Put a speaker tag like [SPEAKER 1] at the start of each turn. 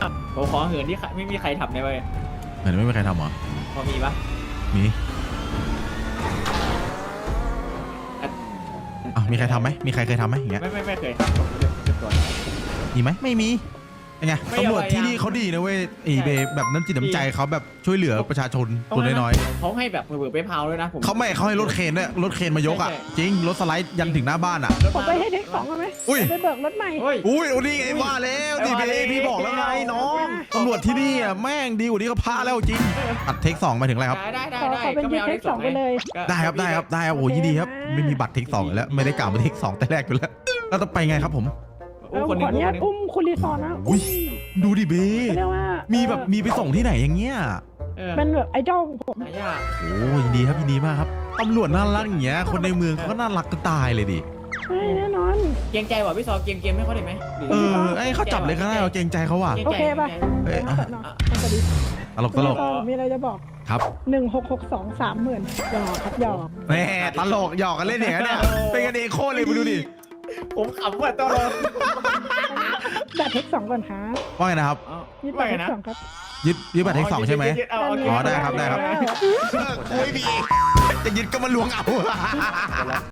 [SPEAKER 1] ผมขอเหินที่ไม่มีใครทำได้เว้ย
[SPEAKER 2] เหมือนไม่มีใครทำเหรอ
[SPEAKER 1] พอมีปะ
[SPEAKER 2] มีอ่ะมีใครทำไหมมีใครเคยทำไหมอย่างเงี้ย
[SPEAKER 1] ไม่เคยครับผมจะตัว
[SPEAKER 2] มีไหมไม่มียังไง
[SPEAKER 1] ไม่
[SPEAKER 2] ตำรวจ
[SPEAKER 1] เอา
[SPEAKER 2] ที่นี่เขาดีนะเว้ยเบแบบน้ำจิตน้ำใจเขาแบบช่วยเหลือประชาชนตัวน้อย
[SPEAKER 1] เขาให้แบบเผื่อไปเผาด้วยนะผม
[SPEAKER 2] ๆเขาให้รถเคนเนี่ยรถเคนมายกอ่ะ
[SPEAKER 1] ใช่
[SPEAKER 2] จริงรถสไลด์ยันถึงหน้าบ้านอ่ะ
[SPEAKER 3] ผมไปให้เด็กสองกันไหม
[SPEAKER 2] อุ้ย
[SPEAKER 3] ไปเบิกรถใหม่
[SPEAKER 1] เฮ้ย
[SPEAKER 2] อุ้ยนี่ไงว่าแล้วดิเบพี่บอกแล้วไงน้องตำรวจที่นี่อ่ะแม่งดีกว่านี้ก็พาแล้วจริงอัดเทค2มาถึงอะไรครับ
[SPEAKER 1] ได้
[SPEAKER 3] ขอเป็น
[SPEAKER 1] ก็
[SPEAKER 3] ยึ
[SPEAKER 1] ไม่
[SPEAKER 3] ด
[SPEAKER 1] เอา
[SPEAKER 3] เด็กสองไปเลย
[SPEAKER 2] ได้ครับโอ้ยินดีครับไม่มีบัตรเทค2อยู่แล้วไม่ได้กล่าวมาเทค2แต่แรกอยู่แล้วแล้วต้องไปไงครับผม
[SPEAKER 1] โอ้
[SPEAKER 3] เอา
[SPEAKER 1] คน
[SPEAKER 3] ข
[SPEAKER 1] นึ
[SPEAKER 3] อง อนุญาต
[SPEAKER 1] คนนึง
[SPEAKER 3] อุ้มคุณรีซอร์นะ
[SPEAKER 2] อุ้ยดูดิเบ
[SPEAKER 3] เรียกว่า
[SPEAKER 2] มี
[SPEAKER 3] มี
[SPEAKER 2] แบบมีไปส่งที่ไหนอย่างเงี้ย
[SPEAKER 3] เป็นแบบไอดอลของผม
[SPEAKER 1] หายาก
[SPEAKER 2] โอ้ยินดีครับยินดีมากครับตำรวจน่ารักอย่างเงี้ยคนในเมืองเขาก็น่ารักก็ตายเลยดิ
[SPEAKER 3] ใช่แน่นอน
[SPEAKER 1] เกรงใจว่ะพี่ซอเกมให้เขาได้ไหม
[SPEAKER 2] ไอ้เขาจับเลยก็ได้เราเกรงใจเขาว่ะ
[SPEAKER 3] โอเคป่ะ
[SPEAKER 2] เอ้ย
[SPEAKER 3] สอนอสวัสดี
[SPEAKER 2] ตลก
[SPEAKER 3] มีอะไรจะบอก
[SPEAKER 2] ครับ
[SPEAKER 3] 166230,000หยอกครับหยอก
[SPEAKER 2] แหมตลกหยอกกันเล่นอย่างเงี้ยเป็นกันเองโคตรเลยมาดูดิ
[SPEAKER 1] ผมขำว่ะตลอด
[SPEAKER 3] บัตรเทคสองก่อนครับ
[SPEAKER 2] ว่าไงนะครับ
[SPEAKER 3] ยึดบัตรเทคสองครับ
[SPEAKER 2] ยึดบัตรเทค2ใช่ไหม อ๋อได้ครับ
[SPEAKER 3] ได้
[SPEAKER 2] คุยดีจะยึดก็มาลวงเอา